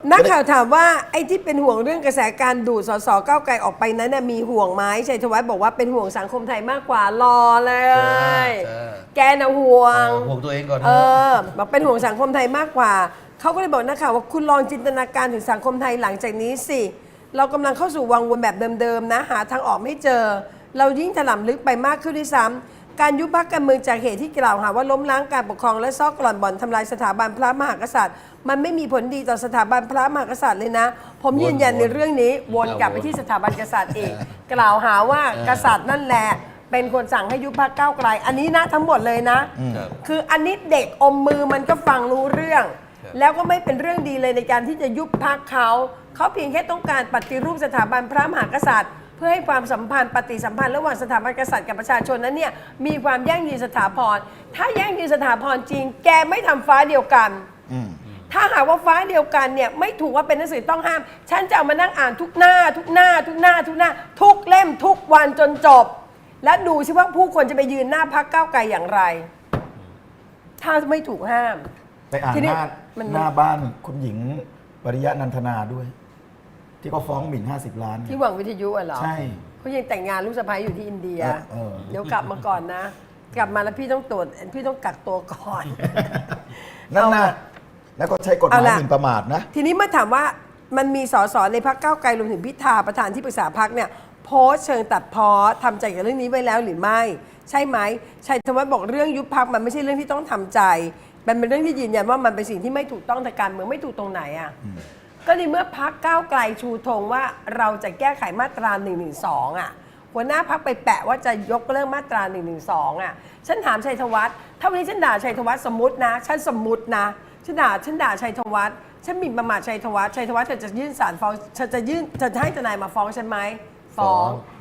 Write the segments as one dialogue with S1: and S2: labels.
S1: นักข่าวถามว่าไอ้ที่เป็นห่วงเรื่องกระแสการดูดสสก้าวไกลออกไปนั้นมีห่วงไหมชัยธวัฒน์บอกว่าเป็นห่วงสังคมไทยมากกว่ารอเลยแกน่ะห่วง
S2: ตัวเองก่อน
S1: บอกเป็นห่วงสังคมไทยมากกว่าเขาก็เลยบอกนักข่าวว่าคุณลองจินตนาการถึงสังคมไทยหลังจากนี้สิเรากำลังเข้าสู่วังวนแบบเดิมๆนะหาทางออกไม่เจอเรายิ่งถล่มลึกไปมากขึ้นด้วยซ้ำการยุบพรรคการเมืองจากเหตุที่กล่าวหาว่าล้มล้างการปกครองและซอกกร่อนบ่อนทำลายสถาบันพระมหากษัตริย์มันไม่มีผลดีต่อสถาบันพระมหากษัตริย์เลยนะผมยืนยันในเรื่องนี้วนกลับไปที่สถาบันกษัตริย์อีกกล่าวหาว่ากษัตริย์นั่นแหละเป็นคนสั่งให้ยุบพรรคก้าวไกลอันนี้นะทั้งหมดเลยนะคืออันนี้เด็กอมมือมันก็ฟังรู้เรื่องแล้วก็ไม่เป็นเรื่องดีเลยในการที่จะยุบพรรคเขาเพียงแค่ต้องการปฏิรูปสถาบันพระมหากษัตริย์เพื่อให้ความสัมพันธ์ปฏิสัมพันธ์ระหว่างสถาบันกษัตริย์กับประชาชนนั้นเนี่ยมีความยั่งยืนสถาพรถ้ายั่งยืนสถาพรจริงแกไม่ทำฟ้าเดียวกันถ้าหากว่าฟ้าเดียวกันเนี่ยไม่ถูกว่าเป็นหนังสือต้องห้ามฉันจะเอามานั่งอ่านทุกหน้าทุกหน้าทุกหน้าทุกหน้าทุกเล่มทุกวันจนจบและดูสิว่าผู้คนจะไปยืนหน้าพรรคก้าวไกลอย่างไรถ้าไม่ถูกห้าม
S3: ไปอ่านหน้าบ้านคุณหญิงปริยะนันทนาด้วยที่เขาฟ้องหมิ่น50 ล้าน
S1: ที่หวังวิทยุเหรอ
S3: ใช่
S1: เขายังแต่งงานลูกสะใภ้อยู่ที่อินเดียเดี๋ยวกลับมาก่อนนะกลับมาแล้วพี่ต้องตรวจพี่ต้องกักตัวก่อน
S3: นั่นนะแล้วก็ใช้กฎหมายหมิ่นประมาทนะ
S1: ทีนี้เมื่อถามว่ามันมีสสในพรรคก้าวไกลรวมถึงพิธาประธานที่ปรึกษาพรรคเนี่ยโพสต์เชิงตัดพ้อทำใจกับเรื่องนี้ไว้แล้วหรือไม่ใช่ไหมชัยธวัฒน์บอกเรื่องยุบพรรคมันไม่ใช่เรื่องที่ต้องทำใจมันเป็นเรื่องที่ยืนยันว่ามันเป็นสิ่งที่ไม่ถูกต้องทางการเมืองไม่ถูกตรงไหนอ่ะก็ในเมื่อพรรคก้าวไกลชูธงว่าเราจะแก้ไขมาตรา112อ่ะหัวหน้าพรรคไปแปะว่าจะยกเลิกมาตรา112อ่ะฉันถามชัยธวัฒน์ถ้าวันนี้ฉันด่าชัยธวัฒน์สมมตินะฉันสมมตินะฉันด่าชัยธวัฒน์ฉันหมิ่นประมาทชัยธวัฒน์เธอจะยื่นศาลฟ้องเธอจะให้ทนายมาฟ้องฉันไหมฟ้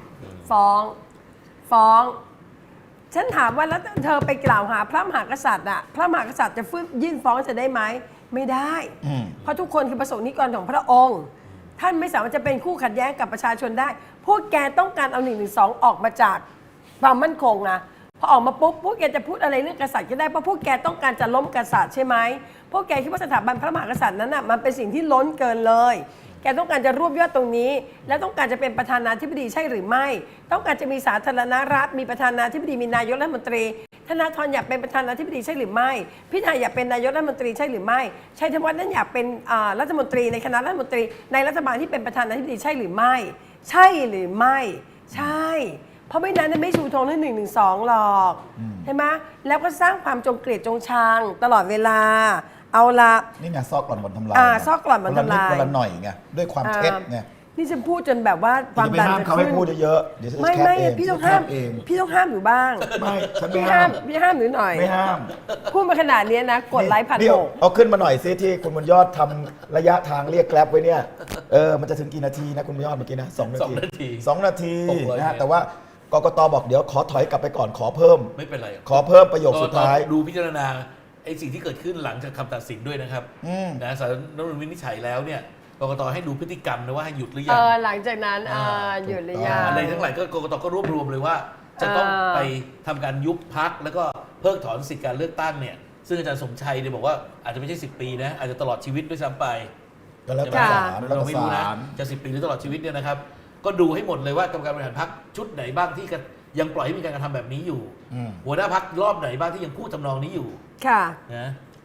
S1: องฉันถามว่าแล้วเธอไปกล่าวหาพระมหากษัตริย์อ่ะพระมหากษัตริย์จะยื่นฟ้องจะได้ไหมไม่ได้เพราะทุกคนคือประสงค์นิกรของพระองค์ท่านไม่สามารถจะเป็นคู่ขัดแย้งกับประชาชนได้พวกแกต้องการเอา112ออกมาจากความมั่นคงนะพอออกมาปุ๊บพวกแกจะพูดอะไรเรื่องกษัตริย์ก็ได้เพราะพวกแกต้องการจะล้มกษัตริย์ใช่ไหมพวกแกคิดว่าสถาบันพระมหากษัตริย์นั้นน่ะมันเป็นสิ่งที่ล้นเกินเลยแกต้องการจะรวบยอดตรงนี้และต้องการจะเป็นประธานาธิบดีใช่หรือไม่ต้องการจะมีสาธารณรัฐมีประธานาธิบดีมีนายกรัฐมนตรีธนาธรอยากเป็นประธานาธิบดีใช่หรือไม่พิธาอยากเป็นนายกรัฐมนตรีใช่หรือไม่ชัยธวัฒน์นั้นอยากเป็นรัฐมนตรีในคณะรัฐมนตรีในรัฐบาลที่เป็นประธานาธิบดีใช่หรือไม่ใช่หรือไม่ใช่เพราะไม่นั้นไม่ชูธงเรื่อง112หรอกใช่ไหมแล้วก็สร้างความจงเกลียดจงชังตลอดเวลาเอาละ
S3: นี่ไงซอกกร่อนบ่อนทำลาย
S1: ซอกกร่อนบ่อนทำลาย
S3: คนละหน่อยไงด้วยความเท็จไง
S1: นี่ฉันพูดจนแบบว่าความดัน
S3: จะเขาไม่พูดเยอะเดี๋ยว
S1: ไม่พี่ต้องห้ามอยู่บ้าง
S3: ไม่ฉันไม่ห้าม
S1: พี่ห้ามหรือหน่อย
S3: ไม่ห้าม
S1: พูดมาขนาดนี้นะกดไลค์1,600
S3: เอาขึ้นมาหน่อยซิที่คุณบุญยอดทำระยะทางเรียกแกร็บไว้เนี่ยมันจะถึงกี่นาทีนะคุณบุญยอดเมื่อกี้นะ2 นาทีนะแต่ว่ากกตบอกเดี๋ยวขอถอยกลับไปก่อนขอเพิ่ม
S2: ไม่เป็นไร
S3: ขอเพิ่มประโยคสุดท้าย
S2: ดูพิจารณาไอ้สิ่งที่เกิดขึ้นหลังจากคำตัดสินด้วยนะครับนะศาลรัฐธรรมนูญวินิจฉัยแล้วเนี่ยกกตให้ดูพฤติกรรมนะว่าให้หยุดหรือยัง
S1: หลังจากนั้นหยุดหรือยัง
S2: อะไรทั้งหลายก็กกตก็รวบรวมเลยว่าจะต้องไปทำการยุบพรรคแล้วก็เพิกถอนสิทธิการเลือกตั้งเนี่ยซึ่งอาจารย์สมชัยเนี่ยบอกว่าอาจจะไม่ใช่10 ปีนะอาจจะตลอดชีวิตด้วยซ้ำไป
S3: ก็แล้วแต่
S2: เราไม่รู้นะจะ10 ปีหรือตลอดชีวิตเนี่ยนะครับก็ดูให้หมดเลยว่ากรรมการบริหารพรรคชุดไหนบ้างที่ยังปล่อยให้มีการกระทำแบบนี้อยู่หัวหน้าพรรครอบไหนบ้างที่ยังพูดทำนองนี้อยู่
S1: ค่ะ
S2: นะ